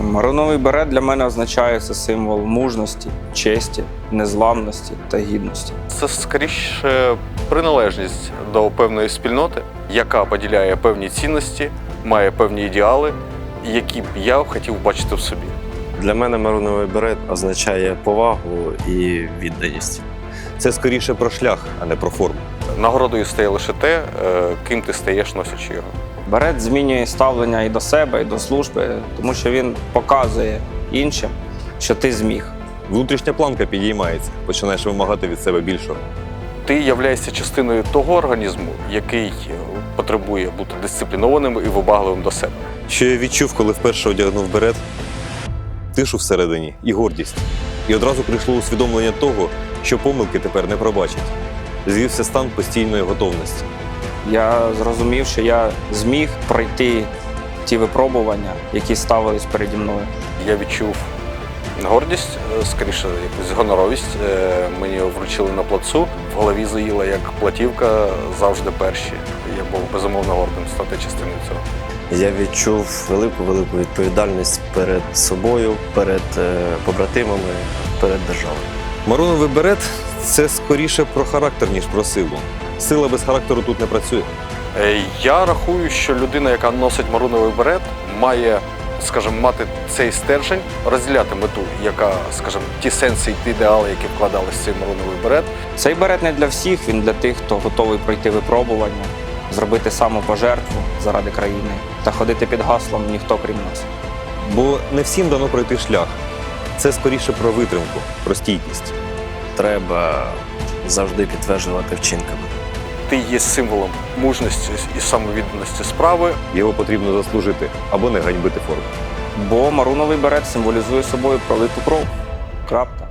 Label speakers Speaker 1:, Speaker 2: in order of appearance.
Speaker 1: Мариновий берет для мене означає це символ мужності, честі, незламності та гідності.
Speaker 2: Це скоріше приналежність до певної спільноти, яка поділяє певні цінності, має певні ідеали, які б я хотів бачити в собі.
Speaker 3: Для мене мариновий берет означає повагу і відданість. Це скоріше про шлях, а не про форму.
Speaker 2: Нагородою стає лише те, ким ти стаєш, носячи його.
Speaker 1: Берет змінює ставлення і до себе, і до служби, тому що він показує іншим, що ти зміг.
Speaker 3: Внутрішня планка підіймається, починаєш вимагати від себе більшого.
Speaker 2: Ти являєшся частиною того організму, який потребує бути дисциплінованим і вибагливим до себе.
Speaker 3: Що я відчув, коли вперше одягнув берет? Тишу всередині і гордість. І одразу прийшло усвідомлення того, що помилки тепер не пробачать. Звівся стан постійної готовності.
Speaker 1: Я зрозумів, що я зміг пройти ті випробування, які ставились переді мною.
Speaker 2: Я відчув гордість, скоріше якусь гоноровість. Мені вручили на плацу, в голові заїла як платівка завжди перші. Я був безумовно гордим стати частиною цього.
Speaker 4: Я відчув велику відповідальність перед собою, перед побратимами, перед державою.
Speaker 3: Мариновий берет – це скоріше про характер, ніж про силу. Сила без характеру тут не працює.
Speaker 2: Я рахую, що людина, яка носить мариновий берет, має, скажімо, мати цей стержень, розділяти мету, яка, скажімо, ті сенси і ті ідеали, які вкладались в цей мариновий берет.
Speaker 1: Цей берет не для всіх, він для тих, хто готовий пройти випробування, зробити самопожертву заради країни та ходити під гаслом «Ніхто крім нас».
Speaker 3: Бо не всім дано пройти шлях. Це скоріше про витримку, про стійкість.
Speaker 4: Треба завжди підтверджувати вчинками.
Speaker 2: Ти є символом мужності і самовідданості справи.
Speaker 3: Його потрібно заслужити або не ганьбити форму.
Speaker 1: Бо мариновий берет символізує собою пролиту кров. Крапка.